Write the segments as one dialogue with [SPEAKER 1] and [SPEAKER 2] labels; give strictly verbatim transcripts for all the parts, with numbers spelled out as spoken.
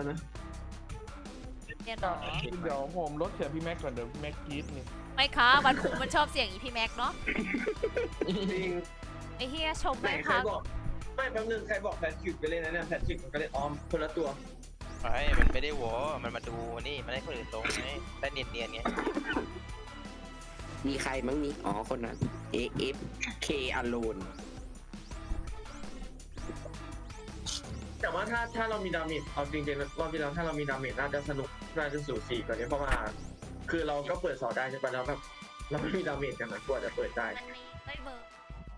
[SPEAKER 1] นะ
[SPEAKER 2] เนี่ยหรอ
[SPEAKER 3] เดี๋ยวผมลดเสียงพี่แม็กก่อนเดี๋ยวพี่แม็กกรี๊ดนี่
[SPEAKER 2] ไม่ค่ะวันคุงมันชอบเสียงอีพี่แม็กเนาะ
[SPEAKER 1] จริง
[SPEAKER 2] ไอ้เฮียชม
[SPEAKER 1] ไหน
[SPEAKER 2] ไม่
[SPEAKER 1] ใคร
[SPEAKER 2] พัก
[SPEAKER 1] บอกไม่แป๊บนึงใครบอกแพทริกไปเล่นนะเนี่ยแพทริกมันก็เล่นออมคนละตัว
[SPEAKER 4] ไอ้มันไม่ได้วอมันมาดูนี่มันให้คนอื่นลงไงได้เนียนๆไง
[SPEAKER 5] มีใครมั้งนี่อ๋อคนนั้น เอ เอฟ เค Alone
[SPEAKER 1] แต่ว่าถ้าถ้าเรามีดาเมจเอาจริงๆรอบที่แล้วถ้าเรามีดาเมจน่าจะสนุกน่าจะสูสีกว่านี้เพราะว่าคือเราก็เปิดสอได้ใช่ปะแล้วแบบเราไม่มีดาเมจกันนะกว่าจะเปิดได้
[SPEAKER 2] มันมีไม่เบอร์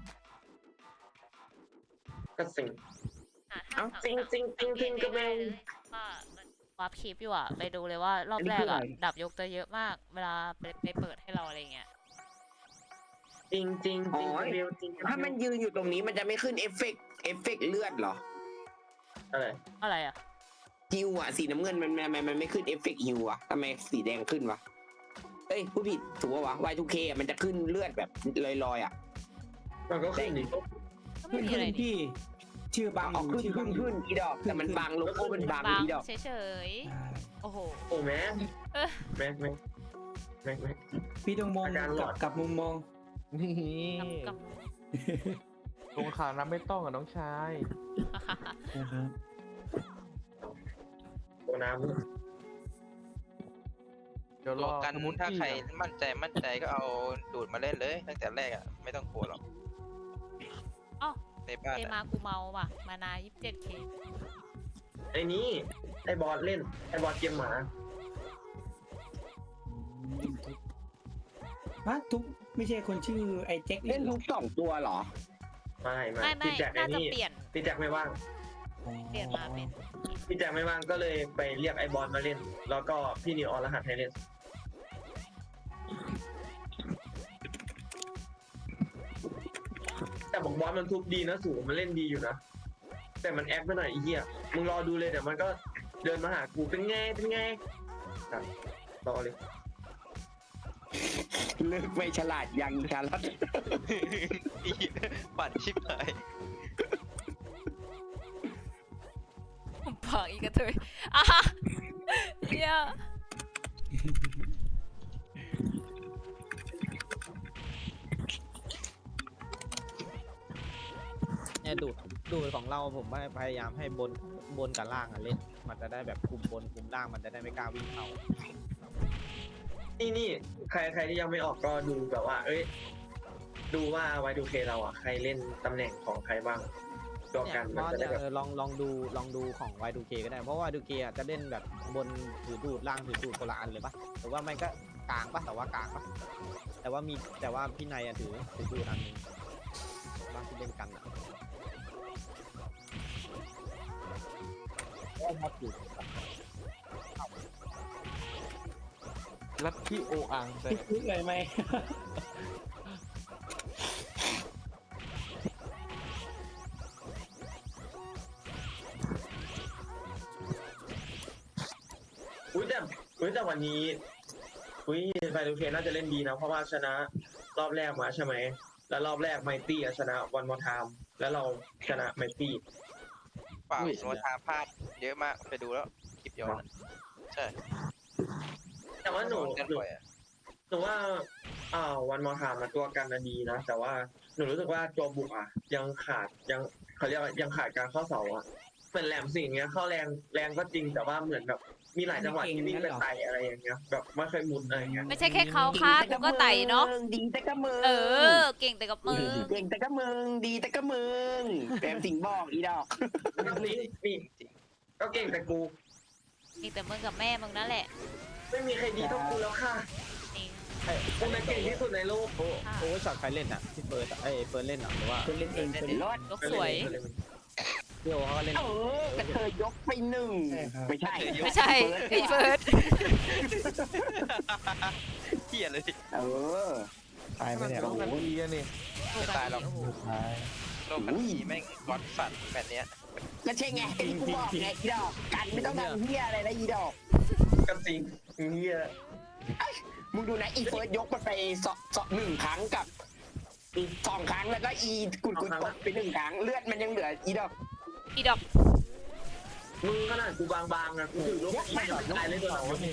[SPEAKER 1] ก็สิ่ง
[SPEAKER 2] หา
[SPEAKER 1] เอ้า
[SPEAKER 2] หา
[SPEAKER 1] จริงจริงจริงจริงก็ไม่
[SPEAKER 2] ว่ามันวาร์ปคลิปอยู่อ่ะไปดูเลยว่ารอบแรกอ่ะดับยกจะเยอะมากเวลาไปไปเปิดให้เราอะไรเงี้ย
[SPEAKER 1] จริงจริงจริง
[SPEAKER 5] อ๋อ
[SPEAKER 1] เบลจริง
[SPEAKER 5] ถ้ามันยืนอยู่ตรงนี้มันจะไม่ขึ้นเอฟเฟกต์เอฟเฟกต์เลือดเหรอ
[SPEAKER 1] อะไร
[SPEAKER 2] อะไรอ่ะ
[SPEAKER 5] ฮิวอะสีน้ำเงินมันทำไมมันไม่ขึ้นเอฟเฟกต์ฮิวอะทำไมสีแดงขึ้นวะเอ้ยผู้ผิดถูกปะวะ วาย ทู เค อะมันจะขึ้นเลือดแบบลอยๆอะ
[SPEAKER 1] มันก็ขึ้นดิ
[SPEAKER 2] ก็ไม่
[SPEAKER 6] ขึ้น
[SPEAKER 2] มี
[SPEAKER 6] ขึ้
[SPEAKER 2] อะไร
[SPEAKER 6] น
[SPEAKER 2] นี่
[SPEAKER 6] พี่ ชื่อบัง
[SPEAKER 5] ออกขึ้น
[SPEAKER 6] ชื่อบั
[SPEAKER 5] ขึ้
[SPEAKER 6] ง
[SPEAKER 5] นขึ้นอีดอกแต่มันบังโลโก้มันบัง
[SPEAKER 2] บาง
[SPEAKER 5] อีดอก
[SPEAKER 2] เฉยๆโอ้โห
[SPEAKER 1] โอ้แม่
[SPEAKER 2] เอ้ย
[SPEAKER 1] แม่แม่แม่แม่
[SPEAKER 6] พี่ต้องมอง
[SPEAKER 1] อาการหล
[SPEAKER 6] กั
[SPEAKER 1] อบ น
[SPEAKER 6] กับมุมมอง
[SPEAKER 3] นี่
[SPEAKER 2] กำก
[SPEAKER 3] ลงข่าวน้ำไม่ต้องอ่ะน้องชาย
[SPEAKER 2] ำ
[SPEAKER 6] นะครับ
[SPEAKER 1] ตัวน้
[SPEAKER 3] เดี๋ยวร
[SPEAKER 4] ร
[SPEAKER 3] อ
[SPEAKER 4] วมกัน
[SPEAKER 3] สมุด
[SPEAKER 4] ถ้า
[SPEAKER 3] ที่
[SPEAKER 4] ใครมั่นใจมั่นใจก็เอาดูดมาเล่นเลยตั้งแต่แรกอ่ะไม่ต้องกลัวหรอก
[SPEAKER 2] อ้าว
[SPEAKER 4] ในบ้าน
[SPEAKER 2] เอ
[SPEAKER 4] อะ
[SPEAKER 2] มากูเมาว่ะมานายี่สิบเจ็ดเค
[SPEAKER 1] ำไอ้นี่ไอ้บอสเล่นไอ้บอสเกมหมา
[SPEAKER 6] ฮะทุกไม่ใช่คนชื่อไอ้แจ็ค
[SPEAKER 5] เล่นทุกสองตัวเหรอ
[SPEAKER 1] ไม่ไม่
[SPEAKER 2] ไม่ไม่
[SPEAKER 1] พี่แจ็คไอ้
[SPEAKER 2] น่าจะ
[SPEAKER 1] นี่
[SPEAKER 2] เปลี่ยน
[SPEAKER 1] พี่แจ็คไม่ว่าง
[SPEAKER 2] เปลี่ยนมาเป็น
[SPEAKER 1] พี่แจ็คไม่ว่างก็เลยไปเรียกไอ้บอสมาเล่น แล้วก็พี่นิวออนรหัสให้เล่นแต่บอกบอสมันทุบดีนะสูงมันเล่นดีอยู่นะแต่มันแอคไปหน่อยไอ้เหี้ยมึงรอดูเลยเดี๋ยวมันก็เดินมาหากูเป็นไงเป็นไงครับรอเลย
[SPEAKER 5] เลิกไม่ฉลาดยังชาลัด
[SPEAKER 4] ปั่นชิบหาย
[SPEAKER 2] ผมผักอีกกระเทยอ่ะเฮีย
[SPEAKER 7] เนี่ยดูดดูดของเราผมว่าพยายามให้บนบนกับล่างอ่ะเล่นมันจะได้แบบคุมบนคุมล่างมันจะได้ไม่กล้าวิ่งเข้า
[SPEAKER 1] นี่นี่ใครใครที่ยังไม่ออกก็ดูแบบว่า เอ้ย ดูว่า วาย ทู เค เราอ่ะ ใครเล่นตำแหน่งของใครบ้างตัว
[SPEAKER 7] เนี่ย
[SPEAKER 1] กัน
[SPEAKER 7] ม
[SPEAKER 1] มัน
[SPEAKER 7] อส
[SPEAKER 1] จะได้
[SPEAKER 7] เนี่ย
[SPEAKER 1] แบบ
[SPEAKER 7] เออลองลองดูลองดูของ วาย ทู เค ก็ได้เพราะว่า วาย ทู เค อ่ะจะเล่นแบบบนถือดูดล่างถือดูดคนละอันเลยปะหรือว่าไม่ก็กลางปะแต่ว่ากลางปะแต่ว่ามีแต่ว่าพี่นายอ่ะถือถือดูดอันหนึงบ้างที่เล่นกันอ่ะครับอยู่
[SPEAKER 3] ลัทธิโออังแต่
[SPEAKER 6] พี่พูดเลยไหม
[SPEAKER 1] อุ้ยแต่อุ้ยแต่วันนี้อุ้ย วาย ทู เค น่าจะเล่นดีนะ เพราะว่าชนะรอบแรกมาใช่ไหม แล้วรอบแรกไมตี้ชนะวันมอทามแล้วเราชนะไมตี้
[SPEAKER 4] เปล่าโนทาพลาดเยอะมากไปดูแล้วคลิปย้อนอะใช่
[SPEAKER 1] แต่ว่าหนู
[SPEAKER 4] โดกัน
[SPEAKER 1] หนู
[SPEAKER 4] บ่อยอะ
[SPEAKER 1] หนูว่าอ่าวันมอทามตัวกันนะดีนะ แต่ว่าหนูรู้สึกว่าตัวบุกอ่ะ ยังขาดยังเขาเรียกว่ายังขาดการเข้าเสาอ่ะเป็นแหลมสิ่งเงี้ยเข้าแรงแรงก็จริงแต่ว่าเหมือนแบบมีหลายจังหวะที่วิ่งไปไต่อะไรอย่างเงี้ยแบบไม่เคยมุดอะไรอย่างเงี้ย
[SPEAKER 2] ไม่ใช่แค่เขาค่ะกูก็ไต่เนาะ
[SPEAKER 5] ดีแต่ก็มึง
[SPEAKER 2] เออ เก่งแต่กับมือ
[SPEAKER 5] เก่งแต่ก็มึงดีแต่ก็มึงแปมสิงห์บอกอีดอก
[SPEAKER 1] นี่นี่ก็เก่งแต่กู
[SPEAKER 2] เก่งแต่มึงกับแม่มึงนั่นแหละ
[SPEAKER 1] ไม่มีใครดีเท่ากูแล้วค่ะ
[SPEAKER 2] จริง
[SPEAKER 1] กูน่ะเก่งที่สุดในโลก
[SPEAKER 7] โอ้โอ้ช็อตใครเล่นอ่ะพี่เฟิร์สอะเอ้ยเฟิร์สเล่นเหรอหรือว่า
[SPEAKER 6] คนเล่นเองคน
[SPEAKER 5] รอด
[SPEAKER 2] ยกสวย
[SPEAKER 7] พี่โอเขาก็เล่น
[SPEAKER 5] เออกระเทยยกไปหนึ่ง
[SPEAKER 6] ใช่ครับ
[SPEAKER 5] ไม่ใช่
[SPEAKER 2] ไม่ใช่พี่เฟิร์ส
[SPEAKER 4] เหี้ยเลย
[SPEAKER 5] เออ
[SPEAKER 6] ตายไปเนี่ย
[SPEAKER 3] ต้องกันดีอะนี่
[SPEAKER 4] ไม่ตายหรอก
[SPEAKER 2] โอ้โห
[SPEAKER 6] ตาย
[SPEAKER 4] โลกกันทีแม่งก๊อตสัตว์แบบเนี้ย
[SPEAKER 5] ก็ใช่ไงที่กูบอกไงอีดอกกันไม่ต้องทำเฮียอะไรนะอีดอก
[SPEAKER 1] กับจริงเฮีย
[SPEAKER 5] มึงดูนะอีเฟิร์สยกมันไปสองสองหนึ่งครั้งกับอีกสองครั้งแล้วก็อีกุดกุดตกไปหนึ่งครั้งเลือดมันยังเหลืออีดอก
[SPEAKER 2] อีดอก
[SPEAKER 1] มึงขนาดกูบางๆนะกูถือลูกอีกยังไม่ตายเลยตัวเราเนี่ย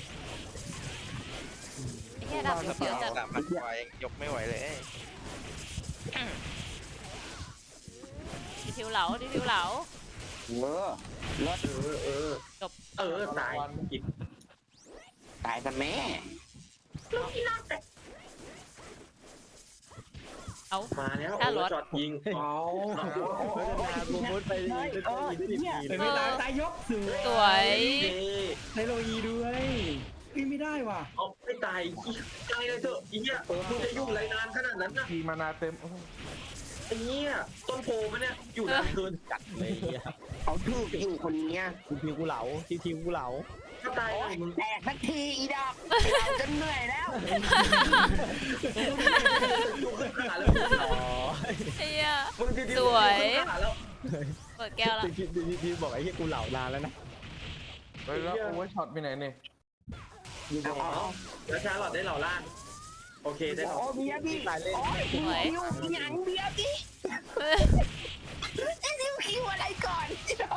[SPEAKER 2] ไอ้เหี้ยดาบยกเยอะจัด
[SPEAKER 4] สามพันกว่ายังยกไม่ไหวเลย
[SPEAKER 2] ดีทิวเหลาดีทิวเหลา
[SPEAKER 5] เออรถ
[SPEAKER 1] เออเออ
[SPEAKER 2] จบ
[SPEAKER 1] เออตายอีก
[SPEAKER 5] ตายซะแม่
[SPEAKER 2] เอา
[SPEAKER 1] มาแล้ว
[SPEAKER 2] ถ้า
[SPEAKER 1] โอ้
[SPEAKER 2] รถ
[SPEAKER 1] จอดยิง
[SPEAKER 6] เอา
[SPEAKER 7] พัฒนากูมุดไปอีกเป็นตัวอีกสิบปี
[SPEAKER 6] เป็นเวลาตายยกสวย
[SPEAKER 2] สวย
[SPEAKER 1] เย้
[SPEAKER 6] ไทโรอีด้วยวิ่งไม่ได้ว่ะ
[SPEAKER 1] เอาไม่ตายตายเลยเถอะไอ้เหี้ยมึงจะอยู่ไรนานขนาดนั้นนะ
[SPEAKER 3] ทีมานาเต็มโอ้โห
[SPEAKER 1] ไอ้เหี้ยต้นโพมันเนี่ยอยู่นานเกิน
[SPEAKER 7] จัดเลยเฮีย
[SPEAKER 5] เขาถูกอยู่คนเนี้ย
[SPEAKER 7] ทีทีกูเหลาทีทีกูเหลา
[SPEAKER 1] ถ้าตายเลยมึง
[SPEAKER 5] แตกสักทีอีดอกเราจะเหนื่อยแล้ว
[SPEAKER 1] อยู่ขึ้นขาแล้ว
[SPEAKER 7] อ๋อ
[SPEAKER 2] ไอ้เหี้ย
[SPEAKER 1] มึงจะ
[SPEAKER 2] สวย
[SPEAKER 1] ขึ้นขาแล้ว
[SPEAKER 2] เปิดแก้วละ
[SPEAKER 7] ทีทีทีทีบอกไอ้เฮียกูเหลานานแล้วนะ
[SPEAKER 3] เฮ้ยแล้วโอเวอร์ช็อตไปไหนเนี่ย
[SPEAKER 6] อยู่บ
[SPEAKER 1] อ๋
[SPEAKER 6] น
[SPEAKER 1] อแล้วชาร์ลอตได้เหล่าล่างโอเคได้เหล่า
[SPEAKER 5] โอ้เบียร์พี่
[SPEAKER 7] ตายเล่น
[SPEAKER 5] โอ้ยคิวหยังเบียร์พี่จะนิ้วคิวอะไรก่อน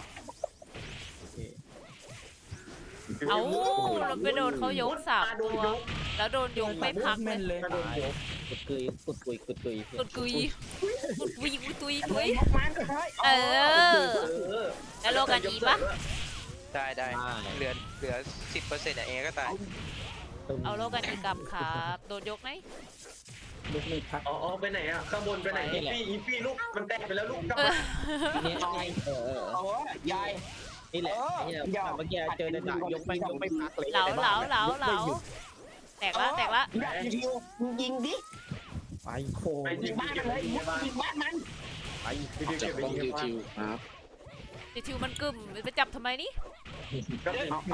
[SPEAKER 2] เอาเราไปโดนเขายกสาม
[SPEAKER 1] โด
[SPEAKER 2] ตั
[SPEAKER 1] น
[SPEAKER 2] วย
[SPEAKER 1] ก
[SPEAKER 2] แล้วโดนยกไม่พักเล
[SPEAKER 6] แม่
[SPEAKER 2] ย
[SPEAKER 6] นเลย
[SPEAKER 1] กระโดนยก
[SPEAKER 7] กุดกุยกุดกุยกุดกุย
[SPEAKER 2] กุดกุยกุดกุยกุดกุยกุย
[SPEAKER 5] ยกมันเฮ้ย
[SPEAKER 2] เออ
[SPEAKER 1] เออ
[SPEAKER 2] แล้วโลกันอีปะ
[SPEAKER 4] ได้ได้เหลือเหลือสิบเปอร์เซ็นต์เองก็ตาย
[SPEAKER 2] เอาโลกันอีกลับครับโดนยกไหม
[SPEAKER 6] ลุกไม่พัก
[SPEAKER 1] อ๋ออ๋อไปไหนอ่ะข้างบนไปไหนอีฟี่อีฟี่ลูกมันแตกไปแล้วลูกกลับ
[SPEAKER 2] เอ
[SPEAKER 1] มา
[SPEAKER 2] อ
[SPEAKER 7] เออเออ
[SPEAKER 5] โอ้ยาย
[SPEAKER 7] นี่แหละไอ้เหี้ยเมื่อกี้เจอในจ่ายกไม่ยกไม่พักเลย
[SPEAKER 2] เหลาเหลาเหลาเหลาแตกละแตกละ
[SPEAKER 5] อยากยิงยิงดิ
[SPEAKER 7] ไป
[SPEAKER 6] โค้
[SPEAKER 1] ไป
[SPEAKER 6] ง
[SPEAKER 1] ยิ
[SPEAKER 5] ยิ
[SPEAKER 1] ง
[SPEAKER 5] งบ้าน
[SPEAKER 1] เก็บ
[SPEAKER 5] เล
[SPEAKER 1] ไป
[SPEAKER 5] ย
[SPEAKER 1] ยิงบ้าน
[SPEAKER 5] ยิงบ้านมัน
[SPEAKER 7] ไป
[SPEAKER 1] ไปเก็บไปยิงบ้าน
[SPEAKER 2] ดิทิวมันกึ่มไปจับทำไมนี่
[SPEAKER 1] ก็เป็น
[SPEAKER 5] เอาเอา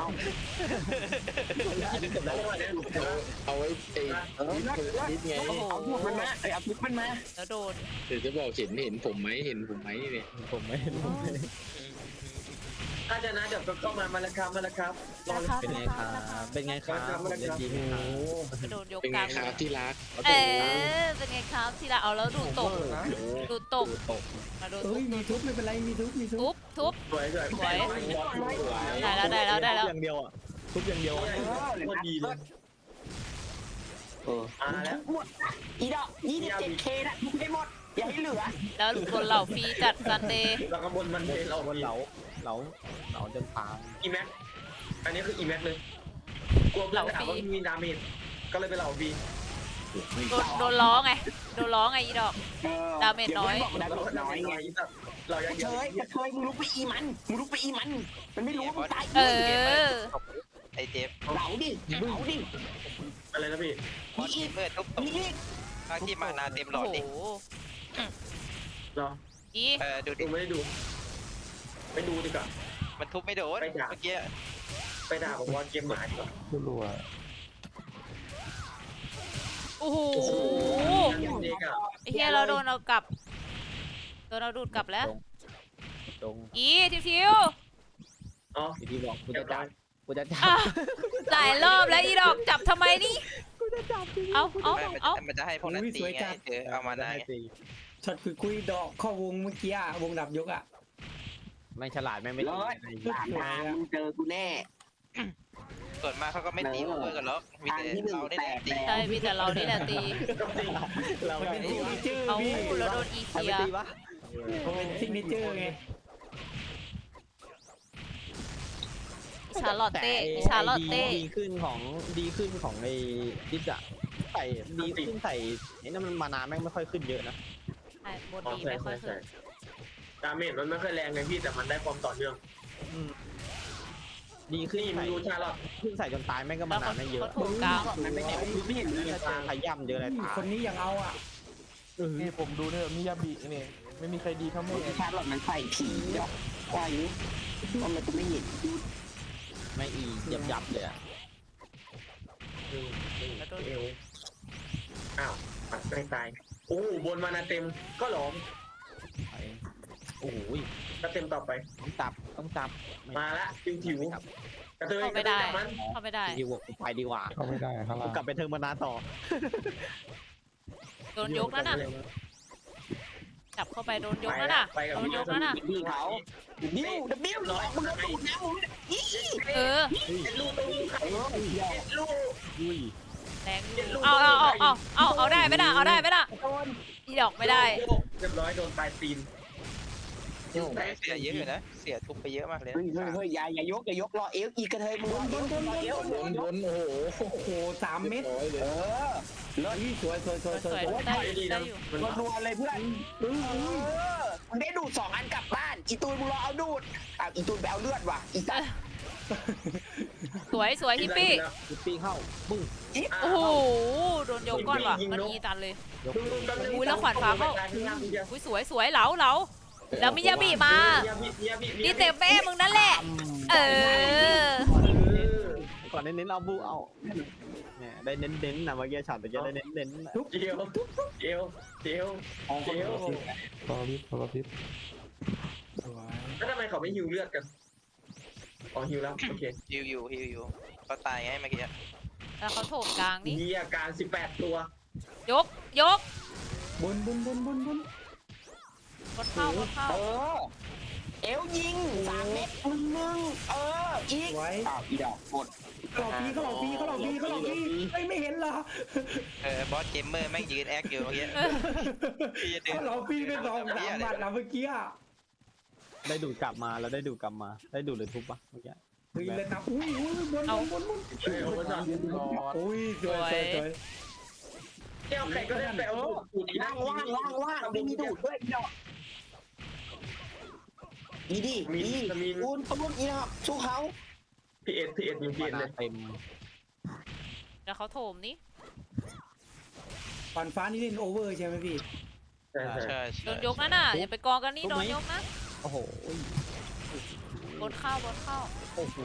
[SPEAKER 8] เอาไว้เอง
[SPEAKER 5] เออนิดไง
[SPEAKER 2] โอ้โห
[SPEAKER 5] เอาพวกมันมาเอาพวกมันมา
[SPEAKER 2] แล้วโดน
[SPEAKER 8] เดี๋ยวจะบอกเห็นเห็นผมไหมเห็นผมไหมเนี่ย
[SPEAKER 7] ผมไม่ผมไม่
[SPEAKER 1] ถ้าจะนะเดี๋ยวก็เข้ามามาแล้วครับมาแล้วครับรอเลย
[SPEAKER 7] เป็นไงครับเป็นไงครับผมเล่นดีไหมครับ
[SPEAKER 2] ไปโดนยก
[SPEAKER 8] เป็น
[SPEAKER 2] ก
[SPEAKER 8] ไง
[SPEAKER 2] ลาง
[SPEAKER 8] ครับที่รัก
[SPEAKER 2] เออเป็นไงครับทีละเอาแล้วดูตกดูตก
[SPEAKER 7] ตก
[SPEAKER 2] มาโดน
[SPEAKER 6] เอ้ยมีทุบไม่เป็นไรมีทุบมีทุ
[SPEAKER 2] ทุ
[SPEAKER 6] บบ
[SPEAKER 2] ทุบ
[SPEAKER 1] สวยสวย
[SPEAKER 2] สวย
[SPEAKER 1] ได้
[SPEAKER 2] ได้แล้วได้แล้วได้แล้ว
[SPEAKER 7] อย่างเดียวอ่ะทุบอย่างเดียว
[SPEAKER 1] พอดีเลย
[SPEAKER 5] เออ
[SPEAKER 1] มาแล้ว
[SPEAKER 5] หมดอีดอกยี่สิบเจ็ดเคนะทุกให้หมดอย่าให้เหลือ
[SPEAKER 2] แล้วบนเหล่าฟรีจัดซันเดย์
[SPEAKER 1] แล้วก็บนมันเทเรา
[SPEAKER 7] บนเหลาเหลาเหลาจนพัง
[SPEAKER 1] อีแม็กอันนี้คืออีแม็กเลยกลัวเพื่อนถามว่ามีดาเมจก็เลยไปเหล่าบี
[SPEAKER 2] โดนโดนล้อไงโดนล้อไงอีดอก ดาเมจน้อย
[SPEAKER 5] ดาเมจน้อยไง
[SPEAKER 1] เรา
[SPEAKER 5] ก
[SPEAKER 1] ยั
[SPEAKER 5] ระ
[SPEAKER 1] ง
[SPEAKER 5] เทยกระเทยมึงลุกไปอีมันมึงลุกไปอีมัน มันไม่รู้ว่ามึงตาย
[SPEAKER 2] เออ
[SPEAKER 4] ไอเจฟ
[SPEAKER 5] เหลาดิเหลาดิ
[SPEAKER 1] อะไรนะพี่
[SPEAKER 4] บอสเมื่อทุบต
[SPEAKER 5] มี
[SPEAKER 4] ก
[SPEAKER 5] อีก
[SPEAKER 4] ภาคที่มานาเต็มหล
[SPEAKER 2] โอ้
[SPEAKER 4] อด
[SPEAKER 2] โห
[SPEAKER 4] ดิ
[SPEAKER 1] รอ
[SPEAKER 2] อี
[SPEAKER 4] เออดูดิ
[SPEAKER 1] ดูไม่ได้ดูไปดูดีกว่า
[SPEAKER 4] มันทุบไม่โดนเมื่อกี้
[SPEAKER 1] ไปด่าผมว่าเกมหมาดีกว่า
[SPEAKER 3] รัว
[SPEAKER 2] โอ้โห
[SPEAKER 1] เด็กอ่ะ
[SPEAKER 2] ไอ้เหี้ยเราโดนเอากลับโดนเราดูดกลับแล้ว
[SPEAKER 7] ตรง
[SPEAKER 2] อีทิวทิว
[SPEAKER 1] อ๋อ
[SPEAKER 7] ที่บอกกูจะจับกูจะจับ
[SPEAKER 2] อ่ะหลายรอบแล้วอีดอกจับทำไมนี่เอาเอา
[SPEAKER 4] ไม่มัน
[SPEAKER 2] เอา
[SPEAKER 4] มันจะให้พวกนั้นตีไงเจอเอามานาไง
[SPEAKER 6] ช็อตคุยคุยดอกเข้าวงเมื่อกี้อะวงดับยกอ่ะ
[SPEAKER 7] ไม่ฉลาดไม่ไม่
[SPEAKER 5] ร้อยสามทางมึงเจอกูแน่
[SPEAKER 4] ส่วนมากเขาก็ไม่ตีเพื่อนกันหรอกมีแต่เราได้ตี
[SPEAKER 2] ใช่มีแต่เรานี่แหละตี
[SPEAKER 7] เรา
[SPEAKER 6] มันเป็น
[SPEAKER 7] ไม่
[SPEAKER 6] ซิกเนเจอร์
[SPEAKER 2] เอา
[SPEAKER 6] พี่
[SPEAKER 2] เราโดนอี
[SPEAKER 7] ใคร
[SPEAKER 2] เคี
[SPEAKER 7] ไป
[SPEAKER 2] ย
[SPEAKER 7] ตีวะ
[SPEAKER 6] มันเป็นซิกเนเจอร์ไง
[SPEAKER 2] อีชาร์ลอตเต้อีชาร์ลอตเต้
[SPEAKER 7] ดีขึ้นของดีขึ้นของไอ้ดิจะใส่ดีขึ้นใส่ไอ้นั่นมันมานานแม่งไม่ค่อยขึ้นเยอะนะ
[SPEAKER 2] ใช่บน
[SPEAKER 1] อ๋อ
[SPEAKER 2] ดี
[SPEAKER 1] ใช่
[SPEAKER 2] ไม่ค่อ
[SPEAKER 1] ใช่
[SPEAKER 2] ย
[SPEAKER 1] ใช่
[SPEAKER 2] ขึ้น
[SPEAKER 1] ดาเมจมันไม่ค่อยแรงไงพี่แต่มันได้ความต่อเนื่อง
[SPEAKER 7] ดีขึ้น
[SPEAKER 1] นี่มึ
[SPEAKER 7] ใส่
[SPEAKER 1] งดูชาลอต
[SPEAKER 7] ขึ้นใส่จนตายแม่งก็
[SPEAKER 2] แล้
[SPEAKER 7] มาว นา
[SPEAKER 2] เขา
[SPEAKER 7] นไม่เยอะ
[SPEAKER 2] เขาถูกกลาง
[SPEAKER 5] มันไม่แตกไม่เห็นเลย
[SPEAKER 7] ถ้าเจอขย่ำเจออะไรตาย
[SPEAKER 6] คนนี้ยังเอาอ่ะ
[SPEAKER 3] นี่ผมดูเนี่ยมิยาบินี่ไม่มีใครดีเท่าแม่
[SPEAKER 5] ชาร์ลอตมันใส่ผีดอกว่าอยู่ว่ามันจะไม่เห็น
[SPEAKER 7] ไม่อียับยับเลยอ่ะ
[SPEAKER 2] แล้วโดน
[SPEAKER 1] เอวอ้าวปัดไม่ตายโอ้บนมานาเต็มก็หลอม
[SPEAKER 7] โอ้โห
[SPEAKER 1] ก็เต็มต่อไป
[SPEAKER 7] ต้องจับต้องจับ
[SPEAKER 1] มาละจิวถิวกระเทย
[SPEAKER 2] เข้าก
[SPEAKER 1] ระ
[SPEAKER 2] ไม่
[SPEAKER 1] เทย
[SPEAKER 2] ได้
[SPEAKER 1] จับมัน
[SPEAKER 2] เข้าไม่ได้
[SPEAKER 7] ดีกว่าไปดีกว่า
[SPEAKER 3] เข้าไม่ได้ข้าง
[SPEAKER 7] กู
[SPEAKER 3] ล่าง
[SPEAKER 7] กลับไปเทิงมานานต่อ
[SPEAKER 2] โดนยกนั่นน่ะจับเข้าไปโดนยกนั่นน่ะ
[SPEAKER 1] ไปกับ
[SPEAKER 2] โดนยกนั่นน่ะ
[SPEAKER 5] พี่เขาบิวบิวร้อยมึงโดนดูดนะมึงอี
[SPEAKER 2] เออ
[SPEAKER 1] ลูกตรงนี้
[SPEAKER 5] เออ
[SPEAKER 1] ลูก
[SPEAKER 7] อุ้ย
[SPEAKER 2] แรงอยู่เอาเอาเอาเอาเอาเอาได้ไหมน่ะเอาได้ไหมน่ะ
[SPEAKER 5] โดน
[SPEAKER 2] อีดอกไม่ได้
[SPEAKER 1] เรียบร้อยโดนปลายตีน
[SPEAKER 4] เสียเยอะอยู่นะ เสียทุบไปเยอะมากเลย
[SPEAKER 5] เฮ้ยเฮ้ยเฮ้ยอย่าอย่ายกอย่ายกรอเอวอีกกระเทยมึงรอเอวรอเอว
[SPEAKER 8] บนบนโอ้โห
[SPEAKER 6] โอ้โหสามเม็ด
[SPEAKER 8] ร้อยเลย
[SPEAKER 5] เออ
[SPEAKER 6] เฮ้ยสวยสวยสวยส
[SPEAKER 2] ส
[SPEAKER 6] วย
[SPEAKER 2] วย
[SPEAKER 6] สวย
[SPEAKER 2] ๆได้อยู่ได้อยู่
[SPEAKER 1] มัน
[SPEAKER 5] รัวๆเลยเพื่อนเออมึงได้ดูดสองอันกลับบ้านอีตูนมึงรอเอาดูดอ่ะอีตูนไปเอาเลือดว่ะอีตัน
[SPEAKER 2] สวยสวยฮิปปี้
[SPEAKER 7] ฮิปปี้เข้าปุ้ง
[SPEAKER 2] โอ้โหโดนยกก้อนว่ะมันอีตันเลย
[SPEAKER 7] ยก
[SPEAKER 2] อุ้ยแล้วขวานฟ้าเข้าอุ้ยสวยสวยเหลาเหลาแล้วมิยาบิมาดีเต็มแม่มึงนั่นแหละ เออ
[SPEAKER 7] ก่อนเน้นๆเอาบูเอาเนี่ยได้เน้นๆนะเมื่อกี้ช็อตเมื่อกี้ได้เน้นๆ
[SPEAKER 1] เจียวเจียวเจียวเจียว
[SPEAKER 3] รอริบรอริบ
[SPEAKER 6] สวย
[SPEAKER 1] แล้วทำไมเขาไม่ฮิวเลือดกันอ๋อฮิวแล้วโอเค
[SPEAKER 4] ฮิวอยู่ฮิวอยู่เขาตายไงเมื่อกี้
[SPEAKER 2] แล้วเขาโถมกลางนี่
[SPEAKER 1] มีอาการสิบแปดตัวย
[SPEAKER 2] กยก
[SPEAKER 6] บนบนบนบนบน
[SPEAKER 2] บนเข้าบนเข้า
[SPEAKER 5] เออเอวยิงสามเม็ดมึงมึงเอออีก
[SPEAKER 6] ไว้
[SPEAKER 5] อ้าวอีดอกหมด
[SPEAKER 6] เขาหลอกพี่เขาหลอกพี่เขาหลอกพี่เขาหลอกพี่เฮ้ยไม่เห็นเหรอ
[SPEAKER 4] เออบอสเกมเมอร์แม่งยืนแอคอยู่เมื่อกี้
[SPEAKER 2] เออ
[SPEAKER 4] พี่จะเดิ
[SPEAKER 6] เขา
[SPEAKER 4] น
[SPEAKER 6] หลอกพี่เป็นสองสามบาทนะเมื่อกี้อ่ะ
[SPEAKER 7] ได้ดูดกลับมาแล้วได้ดูดกลับมาได้ดูดหรือทุบปะเมื่อกี้
[SPEAKER 6] เฮ้ยเลยนะอุ้ยอุ้ยบนบนบนบน
[SPEAKER 1] เออมันจะ
[SPEAKER 6] อุ้ยสวยสวยสวย
[SPEAKER 1] แก้วใครก็ได้ไปเอาสูตรนี้นะ
[SPEAKER 5] ว่างว่างว่างว่างไม่มีดูดด้วยอีดอกมีดิ
[SPEAKER 1] มี
[SPEAKER 5] มี
[SPEAKER 1] มี
[SPEAKER 5] ปูนปูนอีดอกสู้เขา
[SPEAKER 1] พีเอสพีเอสมีพี
[SPEAKER 7] มา
[SPEAKER 1] เอสเลย
[SPEAKER 7] เต็ม
[SPEAKER 2] แล้วเขาโถมนี่
[SPEAKER 6] ฟันฟ้านี่เล่นโอเวอร์ใช่ไหมพี่
[SPEAKER 1] ใช่ใช่
[SPEAKER 4] ใช่
[SPEAKER 2] โด
[SPEAKER 4] ใช่
[SPEAKER 2] นยกนั่นน่ะอย่าไปกองกันนี่โดนยกนะ
[SPEAKER 7] โอ้โห
[SPEAKER 2] บนเข้าบนเข้า
[SPEAKER 7] โอ้โห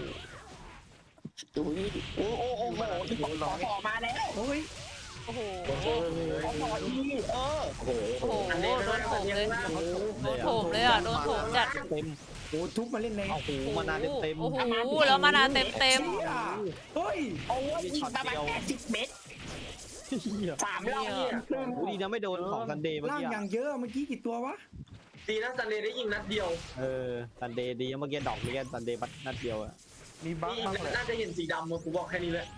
[SPEAKER 5] ดูนี่โอ้โอ้โอ้โหที่ขอต่อมาแล้ว
[SPEAKER 6] โอ้ย
[SPEAKER 2] โอ้โห
[SPEAKER 5] ขอต่อดีเออ
[SPEAKER 8] โอ้โห
[SPEAKER 2] โอ้โห
[SPEAKER 1] อันนี้
[SPEAKER 2] โดนโถมเลย
[SPEAKER 7] โด
[SPEAKER 2] โดนโถมเลยอ่ะโดนโถมจัด
[SPEAKER 7] เต็ม
[SPEAKER 6] โอ้ทุบมาเล่นใน
[SPEAKER 7] โอ้โหมานาเต็มเต็ม
[SPEAKER 2] โอ้โหแล้วมานาเต็มเต็ม
[SPEAKER 6] เชี่ยเฮ้ย
[SPEAKER 5] โอ้ยยิงประมาณแปดสิบเมตรสามรอบเนี่ย
[SPEAKER 7] โอ้ดีนะไม่โดนของซันเดย์เมื่อ
[SPEAKER 6] ล่าง
[SPEAKER 7] กี้
[SPEAKER 6] อย่างเยอะเมื่อกี้กี่ตัววะ
[SPEAKER 1] ดีนะซันเดย์ได้ยิงนัดเดียว
[SPEAKER 7] เออซันเดย์ดีเมื่อกี้ดอกเมื่อกี้ซันเดย์บัดนัดเดียวอะ
[SPEAKER 3] มีบั๊ก
[SPEAKER 1] นี่
[SPEAKER 3] บ้างแหละ
[SPEAKER 1] น่าจะเห็นสีดำมากูบอกแค่นี้แหละ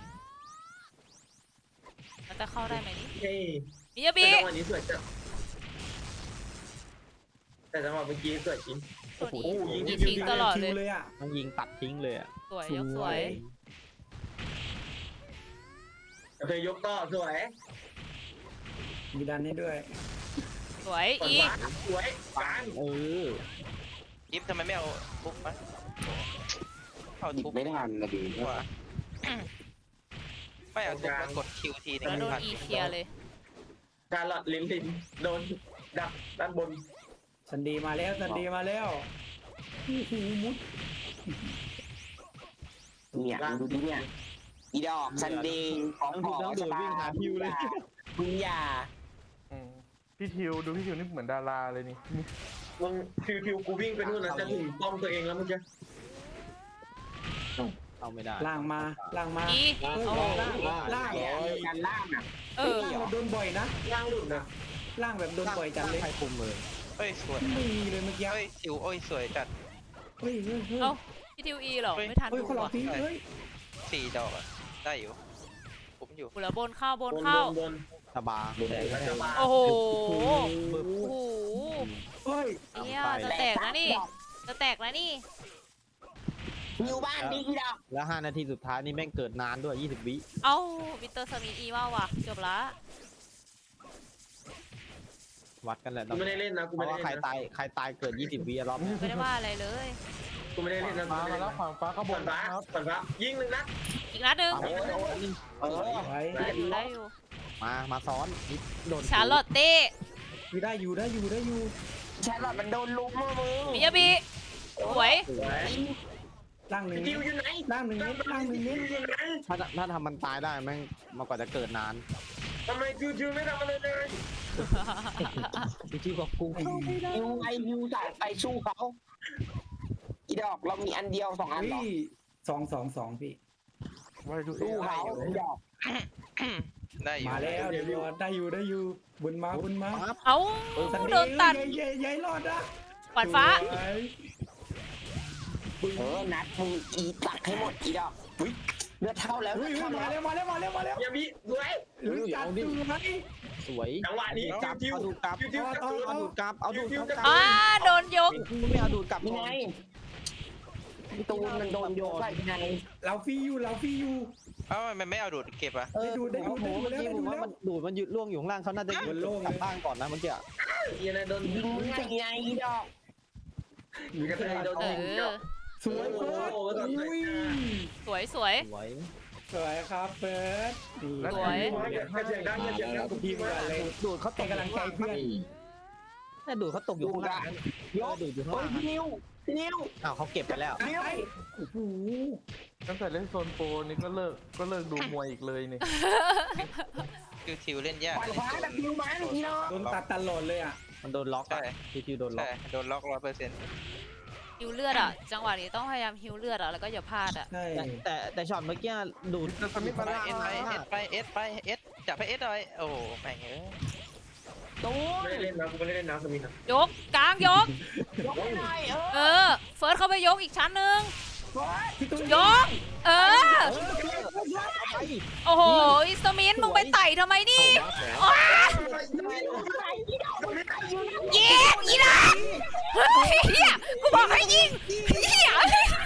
[SPEAKER 2] มันจะเข้าได้ไหมนี่
[SPEAKER 1] เฮ้ย
[SPEAKER 2] มิยา
[SPEAKER 1] แต่
[SPEAKER 2] บิ
[SPEAKER 1] จังหวะนี้สวยจัดแต่จังหวะเมื่อกี้สวยจริง
[SPEAKER 2] ตัวนี้
[SPEAKER 1] โอ้โหยิง
[SPEAKER 2] ยิงทิ้งตลอดเลย
[SPEAKER 6] คิวเลยอ่ะ
[SPEAKER 7] มันยิงตัดทิ้งเลยอะ
[SPEAKER 2] สวยยกสวย
[SPEAKER 1] เคยยกต่อสวย
[SPEAKER 6] มีดันให้ด้วย
[SPEAKER 2] สวย
[SPEAKER 1] ก่อน
[SPEAKER 2] อีก
[SPEAKER 1] ฟ้าสวยกลาง
[SPEAKER 7] เออ
[SPEAKER 4] ยิบทำไมไม่เอาทุบมะเอา
[SPEAKER 5] หยิบ
[SPEAKER 4] ทุบ
[SPEAKER 5] ไม่ทันนะดี
[SPEAKER 4] ดีกว่าไม่เอาทุบแล้วกดคิวทีนึง
[SPEAKER 2] แล้วโดน
[SPEAKER 4] พัน
[SPEAKER 2] อีเคลียร์เลย
[SPEAKER 1] ชาลอตลินลินโดนดักด้านบน
[SPEAKER 6] ซันเดย์มาแล้วซันเดย์มาแล้วโอ้โหมุด
[SPEAKER 5] เนี่ยดูดิเนี่ยอีดอกซันเดย์ของ
[SPEAKER 7] ต้อง
[SPEAKER 5] ข
[SPEAKER 7] ทุ
[SPEAKER 5] อบ
[SPEAKER 7] ต้องโดดวิ่งหาพิวเลย
[SPEAKER 5] มึงอย่า
[SPEAKER 3] อืมพี่ทิวดูพี่ทิวนี่เหมือนดาราเลยนี่นี่
[SPEAKER 1] มึงฟิวฟิวกูวิ่งไปนู่นนะจะถึงป้อมตัวเองแล้วเมื่อกี้
[SPEAKER 7] เอาไม่ได้
[SPEAKER 6] ล่างมาล่างมา
[SPEAKER 2] อี
[SPEAKER 6] เฮ้ย
[SPEAKER 2] เอา
[SPEAKER 6] ล่างล่าง
[SPEAKER 5] เนี่ยการล่างอ่ะ
[SPEAKER 2] เออ
[SPEAKER 6] ล่างเราโดนบ่อยนะ
[SPEAKER 1] ย่างหลุดนะ
[SPEAKER 6] ล่างแบบโดนบ่อยจัดเลย
[SPEAKER 7] ใครคุมเลย
[SPEAKER 4] เฮ้ยสวย
[SPEAKER 6] ไม่มีเลยเมื่อกี้
[SPEAKER 4] เฮ้ยทิวโอ้ยสวยจัด
[SPEAKER 6] เฮ้ยเฮ้ยเฮ้ย
[SPEAKER 2] เอ้าพี่ทิวอีเหรอไม่ทัน
[SPEAKER 6] เฮ้ย
[SPEAKER 2] ดู
[SPEAKER 6] เขาหลอก
[SPEAKER 2] อ่ะ
[SPEAKER 6] พี่เฮ้ย
[SPEAKER 4] สี่ดอกอะได้อยู่ผมอยู่
[SPEAKER 2] กูแล้วบนเข้าบบ น
[SPEAKER 1] น
[SPEAKER 2] เข้า
[SPEAKER 1] บน
[SPEAKER 7] สบา
[SPEAKER 1] จะมา
[SPEAKER 2] โอ้โห
[SPEAKER 7] บึ้
[SPEAKER 2] โอ้
[SPEAKER 7] ม
[SPEAKER 2] โห
[SPEAKER 6] เฮ้ย
[SPEAKER 2] เนี่ยจะแตกนะนี่จะแตกนะนี่
[SPEAKER 5] อยู่บ้านดีอีดอก
[SPEAKER 7] แล้วห้านาทีสุดท้ายนี่แม่งเกิดนานด้วยยี่สิบวิ
[SPEAKER 2] เอ้าวิเตอร์สมิธอีว่าว่ะจบละ
[SPEAKER 7] วัดกันแหละ
[SPEAKER 1] กูไม่ได้เล่นนะกู
[SPEAKER 7] เพ
[SPEAKER 1] ไม่
[SPEAKER 7] ราะ
[SPEAKER 1] ได้
[SPEAKER 7] ว่าใคร
[SPEAKER 1] เล่นนะ
[SPEAKER 7] ตายใครตายเกิดยี่สิบวิอะรอบเนี้ย
[SPEAKER 2] ไม่ได้ว่าอะไรเลย
[SPEAKER 1] กูไม่ได้เล่นนะกู
[SPEAKER 3] มา
[SPEAKER 1] ไม่ได้
[SPEAKER 3] มา
[SPEAKER 1] เล่น
[SPEAKER 3] แล้ว
[SPEAKER 1] นะ
[SPEAKER 3] ฝั่งฟ้าก็บ
[SPEAKER 1] ก่อน นฟ้า
[SPEAKER 3] ครับ
[SPEAKER 1] ก่อนฟ้ายิงหนึ่งนัด
[SPEAKER 2] อีกนัดหนึ่ง
[SPEAKER 7] โอ้ยโอ้ยนี่
[SPEAKER 5] เออ
[SPEAKER 6] ไว้
[SPEAKER 2] ได้อยู่ได้อยู่
[SPEAKER 7] มามาซ้อนนี่โดน
[SPEAKER 2] ชาร์ลอตเต้
[SPEAKER 6] อยู่ได้อยู่ได้อยู่ได้อยู่
[SPEAKER 5] แชร์ลอตมันโดนลุมมือมึง
[SPEAKER 2] มิยาบิสวย
[SPEAKER 1] สวย
[SPEAKER 6] ล่างหนึ่ง
[SPEAKER 1] ทิวอยู่ไหน
[SPEAKER 6] ล่างหนึ่งเม็ดล่างหนึ่งเม็ด
[SPEAKER 1] ทิวอยู่ไหน
[SPEAKER 7] ถ้าถ้าทำมันตายได้แม่งมากกว่าจะเกิดนาน
[SPEAKER 1] ทำไมทิวทิวไม่ทำอะไรเลย
[SPEAKER 7] พี่ที่บอกกู
[SPEAKER 5] ยูไอยูสายไปสู้เขาอีดอกเรามีอันเดียวสองอัน
[SPEAKER 6] เฮ้
[SPEAKER 5] หรอย
[SPEAKER 6] สองสองสองพี่
[SPEAKER 3] ไว้ดูเอ
[SPEAKER 5] สู้
[SPEAKER 3] ไอ
[SPEAKER 5] เขาอีดอก
[SPEAKER 4] ได้อยู่
[SPEAKER 6] มาแล้วเดี๋ยวรอดได้อยู่ได้อยู่บุญมาบุญมา
[SPEAKER 2] เอ้าโดนตัด
[SPEAKER 6] เย้เย้รอดนะ
[SPEAKER 2] ขวัญฟ้า
[SPEAKER 6] สวย
[SPEAKER 5] เออนัดมึงอีตักให้หมดอีดอกอุ๊ยเลือดเท่าแล้ว
[SPEAKER 6] เฮ้
[SPEAKER 5] เลื
[SPEAKER 6] ย
[SPEAKER 5] อด
[SPEAKER 6] เฮ้ย
[SPEAKER 5] เท่า
[SPEAKER 6] มา
[SPEAKER 5] แล้ว
[SPEAKER 6] แล้วมาแล้วมาแล้วมาแล้ว
[SPEAKER 1] เฮียพี่สวย
[SPEAKER 6] เฮ้ยจัดดูไหม
[SPEAKER 7] สวย
[SPEAKER 1] จังหวะนี้
[SPEAKER 7] กลับ
[SPEAKER 1] จิ้ว
[SPEAKER 7] เอาดูดกลับ
[SPEAKER 1] จิ้วจิ้ว
[SPEAKER 6] เอา
[SPEAKER 7] เอาดูดกลับเอาดูด
[SPEAKER 1] จิ้ว
[SPEAKER 7] กลับ
[SPEAKER 2] อ่าโดนยก
[SPEAKER 7] มึงไม่เอาดูดกลับ
[SPEAKER 5] พี่
[SPEAKER 7] ก่อน
[SPEAKER 5] นายพี่ตูนมันโดนโยกไปพี่นาย
[SPEAKER 6] เราฟรีอยู่เราฟรีอยู่
[SPEAKER 4] เอ้ามันไม่เอาดูดเก็บอ่ะ
[SPEAKER 7] เออ
[SPEAKER 6] ได้ดูได้ดู
[SPEAKER 7] โอ้โห
[SPEAKER 6] ได้ดู
[SPEAKER 7] เมื่อกี้
[SPEAKER 6] แล้ว
[SPEAKER 7] ผมว่ามันดูดมันยืดล่วงอยู่ข้างล่างเขาน่าจะ
[SPEAKER 6] บนโล่งเลย
[SPEAKER 7] กลับบ้านก่อนนะเมื่อกี้อะ
[SPEAKER 1] เฮียนะโดน
[SPEAKER 5] ยิงง่ายไงอีดอก
[SPEAKER 1] มีกระเทยโดน
[SPEAKER 2] เอ
[SPEAKER 1] ยิง
[SPEAKER 2] อ
[SPEAKER 1] เจ้า
[SPEAKER 6] สวยเฟิร์ส
[SPEAKER 1] โอ้โห
[SPEAKER 6] อุ้ย
[SPEAKER 2] สวยสวย
[SPEAKER 7] สวย
[SPEAKER 6] สวยครับเฟิร์สนี่
[SPEAKER 2] สวย
[SPEAKER 1] กระเทียมดังกระเทียมดัง
[SPEAKER 6] ทีมกันเลย
[SPEAKER 7] ดูดเขาต
[SPEAKER 6] ให้
[SPEAKER 7] ก
[SPEAKER 6] กำลังใจเพื่อน
[SPEAKER 8] นี่
[SPEAKER 7] แต่ดูดเขาตกอยู่ข้างล่างเยอะดูดอยู่ข้าง
[SPEAKER 5] โอ้ย
[SPEAKER 7] ล่าง
[SPEAKER 5] พี่นิวพี่นิว
[SPEAKER 7] อ้าวเขาเก็บไปแล้ว
[SPEAKER 6] ไอ้โอ้โห
[SPEAKER 3] ตั้งแต่เล่นโซนโปรนี่ก็เลิกก็เลิกดูมวยอีกเลยนี่
[SPEAKER 4] คิวทิวเล่นยาก
[SPEAKER 5] ขวานฟ้าแบบนิวมันพี่น้อง
[SPEAKER 6] โดนตัดตลอดเลยอ่ะ
[SPEAKER 7] มันโดนล็อก
[SPEAKER 4] ใช่
[SPEAKER 7] อะทีทีโดนล็อ
[SPEAKER 4] ใช่
[SPEAKER 7] ก
[SPEAKER 4] โดนล็อกร้อยเปอร์เซ็นต์
[SPEAKER 2] ฮิวเลือดอ่ะ จังหวะนี้ต้องพยายามฮิวเลือดอ่ะ แล้วก็อย่าพลาดอ่ะ
[SPEAKER 6] ใช่
[SPEAKER 7] แต่แต่แต่ช็อตเมื่อกี้ดูด
[SPEAKER 3] จะสมิธ
[SPEAKER 4] ไป
[SPEAKER 3] มา
[SPEAKER 4] เอสไปเอสไปเอสไปเอสจับให้เอสหน่อยโอ้แม่งเอ้ย
[SPEAKER 5] ตูน
[SPEAKER 1] ไม่ได้เล่นนะกูไม่ได้เล่นนะสมิธนะ
[SPEAKER 2] ยกกลางยก
[SPEAKER 5] ยกให้หน่อยเออ
[SPEAKER 2] เออ เฟิร์สเข้าไปยกอีกชั้นหนึ่ง
[SPEAKER 6] พี่ตุ้ย
[SPEAKER 2] ยก เออ โอ้โห อิสมินมึงไปไต่ทำไมนี่ว้ายิงอีนะเฮ้ยเฮียกูบอกให้ยิงเฮีย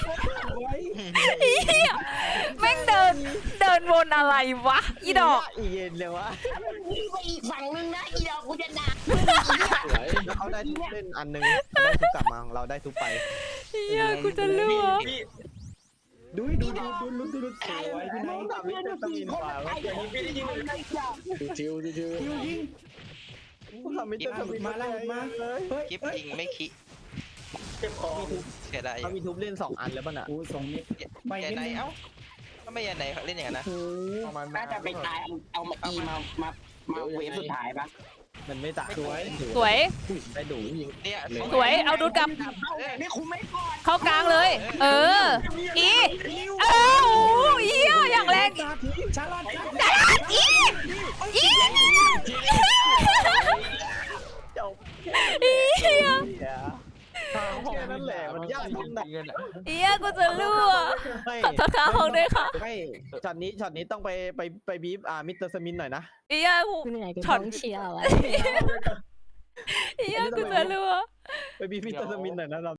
[SPEAKER 2] เฮียแม่งเดิน เดินวนอะไรวะ อีดอก
[SPEAKER 7] อีเย็นเลยวะ
[SPEAKER 5] ยิงไปอีกฝั่งนึงนะอีดอกกูจะด่า
[SPEAKER 8] สวย
[SPEAKER 7] แล้วเขาได้ทุกเล่นอันหนึงได้ทุกกลับมาของเราได้ทุกไป
[SPEAKER 2] เฮียกูจะรั่ว
[SPEAKER 1] พี่
[SPEAKER 6] ดูดูดูดูดูดูดูสวยพี่นาย
[SPEAKER 7] สามวิตามินกว่า
[SPEAKER 1] อย่างนี้พี่ได้ยินเลย
[SPEAKER 8] ดูทิวดูทิว
[SPEAKER 6] คิวยิง
[SPEAKER 7] สามวิตามิน
[SPEAKER 6] มาแล้วมาเฮ้ย
[SPEAKER 4] กิฟ
[SPEAKER 6] เฮ้ย
[SPEAKER 4] ยิงไม่คิ
[SPEAKER 1] เจ็บคอ
[SPEAKER 4] เสียดายอ
[SPEAKER 7] เขา
[SPEAKER 4] ยู่
[SPEAKER 7] มีทุบเล่นสองอันแล้วป่ะน่ะ
[SPEAKER 6] โอ้สองเมตรไป
[SPEAKER 4] ยัน
[SPEAKER 6] นิด
[SPEAKER 4] ไหน
[SPEAKER 6] นึง
[SPEAKER 4] เอ้าก็ไม่ยันไหนเล่นอย่างนั้นนะ
[SPEAKER 6] โอ้
[SPEAKER 3] ประมาณ
[SPEAKER 5] น่าจะไปตายเอามาอีมามามาเวฟสุดท้ายปะ
[SPEAKER 7] มันไม่ตาย
[SPEAKER 2] สวย
[SPEAKER 7] ได้ดูยิง
[SPEAKER 4] เนี่ย
[SPEAKER 2] สวย เอาดูดกลับ
[SPEAKER 5] นี่คุมไม่ก่อน
[SPEAKER 2] เข้ากลางเลย เออ อี เออโอ้โหเหี้ยอย่างแรง
[SPEAKER 6] ชาลอต
[SPEAKER 2] อี อี
[SPEAKER 7] จบ
[SPEAKER 2] เหี้ย
[SPEAKER 7] แค่นั้นแหละมันยากตรงไหน
[SPEAKER 3] เงินอ่ะ
[SPEAKER 2] เหี้ยกูจะรั่ว
[SPEAKER 7] ไม่
[SPEAKER 2] ขอโทษค่ะห้องด้วยค่ะ
[SPEAKER 7] ไม่ช็อตนี้ช็อตนี้ต้องไปไปไปบีบอ่ามิสเตอร์สมินหน่อยนะ
[SPEAKER 2] เหี้ยกู
[SPEAKER 9] เหนื่อยกับ
[SPEAKER 2] ช็อต
[SPEAKER 9] ท้องเชียร์อะไร
[SPEAKER 2] เหี้ยกูจะรั่ว
[SPEAKER 7] ไปบีบมิสเตอร์สมินหน่อยนะเรา